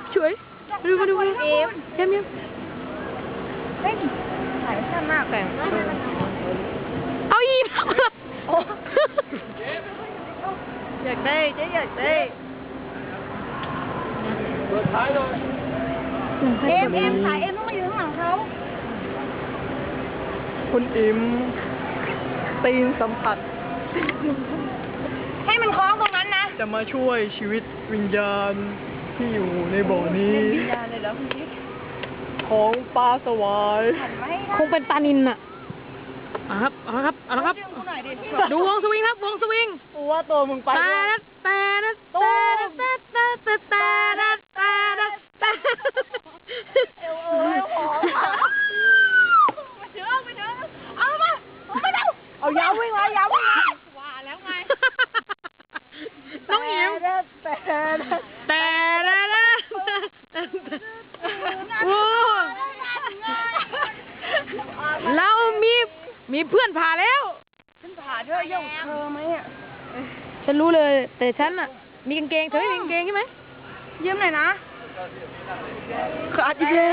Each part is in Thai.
ช่วยมาดูเอ็มเฮ้ยถ่ายสั้นมากแต่เอาอีกอยากได้เจ๊อยากได้เปิดท้ายเลยเอ็มถ่ายเอ็มต้องมาอยู่ข้างหลังเขาคุณอิมตีนสัมผัสให้มันคล้องตรงนั้นนะจะมาช่วยชีวิตวิญญาณที่อยู่ในบ่อนี้วิญญาณเลยแล้วพี่ของปลาสวายคงเป็นปลานิลน่ะครับดูวงสวิงครับวงสวิงกูว่าตัวมึงไปเอายาววิ่งเลยยาววิ่งว่าแล้วไงน้องอิ๋วเรามีเพื่อนผ่าแล้วฉันผ่าด้วยย่องเธอไหมอ่ะฉันรู้เลยแต่ฉันอ่ะมีกางเกงเธอไม่มีกางเกงใช่ไหมยืมหน่อยนะขาดอีกแล้ว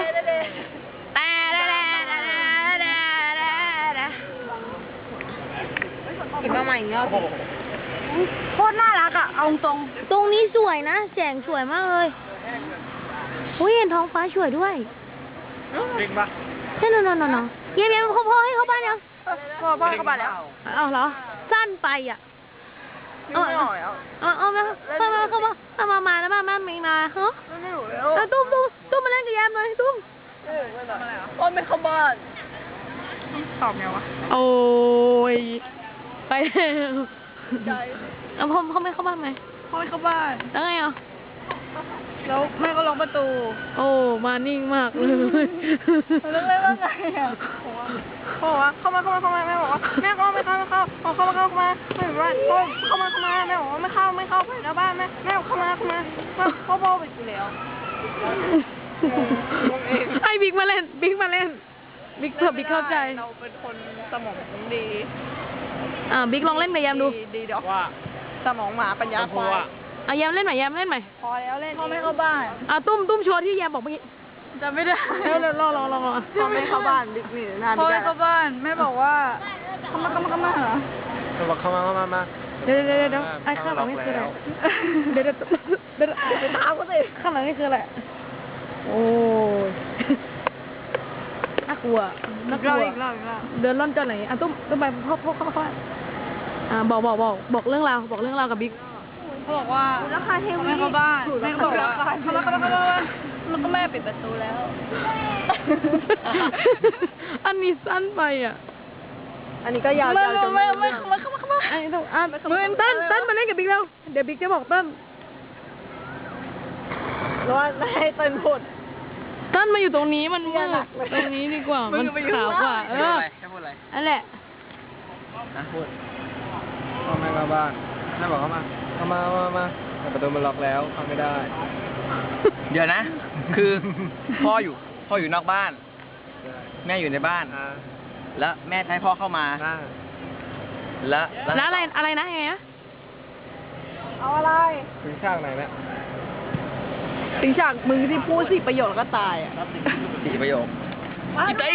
กินมาใหม่เนาะโคตรน่ารักอ่ะเอาตรงนี้สวยนะแสงสวยมากเลยอุ้ยเห็นท้องฟ้าสวยด้วยจริงปะใช่นอนเย็นพ่อให้เขาบ้านยังพ่อเข้าบ้านแล้วเอาเหรอสั้นไปอ่ะเอามาแล้วมามีมาฮะตุ้มมาเล่นกับแยมเลยตุ้มต้นไม่เข้าบ้านตอบไงวะโอ้ยไปแล้วพ่อไม่เข้าบ้านไหมพ่อไม่เข้าบ้านแล้วไงอ่ะแล้วแม่ก็ล็อกประตูโอ้มานิ่งมากเลยแล้วแม่ว่าไงอ่ะพ่อว่าเข้ามาแม่บอกว่าแม่ก็ไม่เข้าเข้ามาไม่เป็นไรเข้ามาแม่บอกว่าไม่เข้าไปแล้วบ้านแม่เข้ามาพ่อไปกูแล้วให้บิ๊กมาเล่นบิ๊กเผื่อบิ๊กเข้าใจเราเป็นคนสมองดีบิ๊กลองเล่นกับแยมดูดีดอกว่าสมองหมาปัญญาควายแยมเล่นใหม่พอแล้วเล่นพ่อไม่เข้าบ้านตุ้มโชว์ที่แยมบอกเมื่อกี้จะไม่ได้รอพ่อไม่เข้าบ้านบิ๊กนี่นานพ่อไม่เข้าบ้านแม่บอกว่าเข้ามาเหรอบอกเข้ามาเดี๋ยวไอ้ข้างหลังนี่คืออะไรเดี๋ยวไปถามเขาสิข้างหลังนี่คืออะไรโอ้น่ากลัวอีกรอบเดินล่อนจนไหนตุ้มไปพ่อบอกเรื่องราวกับบิ๊กเขาบอกว่าราคาเทวีไม่เข้าบ้านแม่บอกว่าเข้ามาแล้วก็แม่ปิดประตูแล้วอันนี้สั้นไปอ่ะอันนี้ก็ยาวจนไม่เข้ามาอันนี้ต้องต้นมาเล่นกับบิ๊กแล้วเดี๋ยวบิ๊กจะบอกต้นแล้วให้ต้นพูดต้นมาอยู่ตรงนี้มันมืดตรงนี้ดีกว่ามันขาวกว่าจะพูดอะไรนั่นแหละพูดพ่อแม่เข้าบ้านแม่บอกเข้ามาแต่ประตูมันล็อกแล้วเข้าไม่ได้เดี๋ยวนะคือพ่ออยู่นอกบ้านแม่อยู่ในบ้านแล้วแม่ให้พ่อเข้ามาแล้วอะไรนะไงอะเอาอะไรถึงฉากไหนเนี่ยถึงฉากมึงที่พูด4 ประโยคแล้วก็ตายอ่ะ 4 ประโยคได้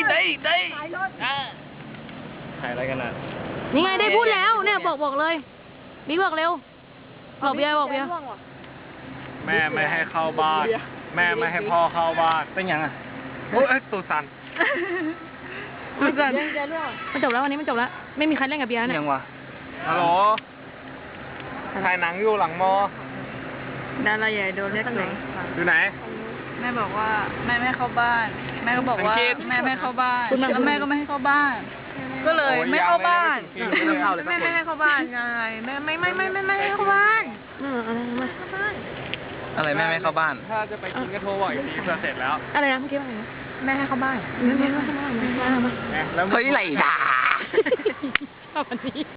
ถ่ายอะไรกันนะนี่ไงได้พูดแล้วเนี่ยบอกเลยบิ๊กบอกเร็วบอกเบียร์แม่ไม่ให้เข้าบ้านแม่ไม่ให้พ่อเข้าบ้านเป็นยังไงโอ้ยตูสันมันจบแล้ววันนี้มันจบแล้วไม่มีใครเล่นกับเบียร์เนี่ยยังวะฮัลโหลถ่ายหนังอยู่หลังมอดาราใหญ่โดนเรียกไหนอยู่ไหนแม่บอกว่าแม่ไม่เข้าบ้านแม่ก็บอกว่าแม่ไม่เข้าบ้านแล้วแม่ก็ไม่ให้เข้าบ้านก็เลยไม่เข้าบ้านแม่ไม่ให้เข้าบ้านไงแม่ไม่ให้เข้าบ้านอะไรแม่ไม่เข้าบ้านถ้าจะไปกินก็โทรบอกอีกทีเสร็จแล้วอะไรนะเมื่อกี้ว่าไงแม่ให้เข้าบ้านเฮ้ยไรด่าวันนี้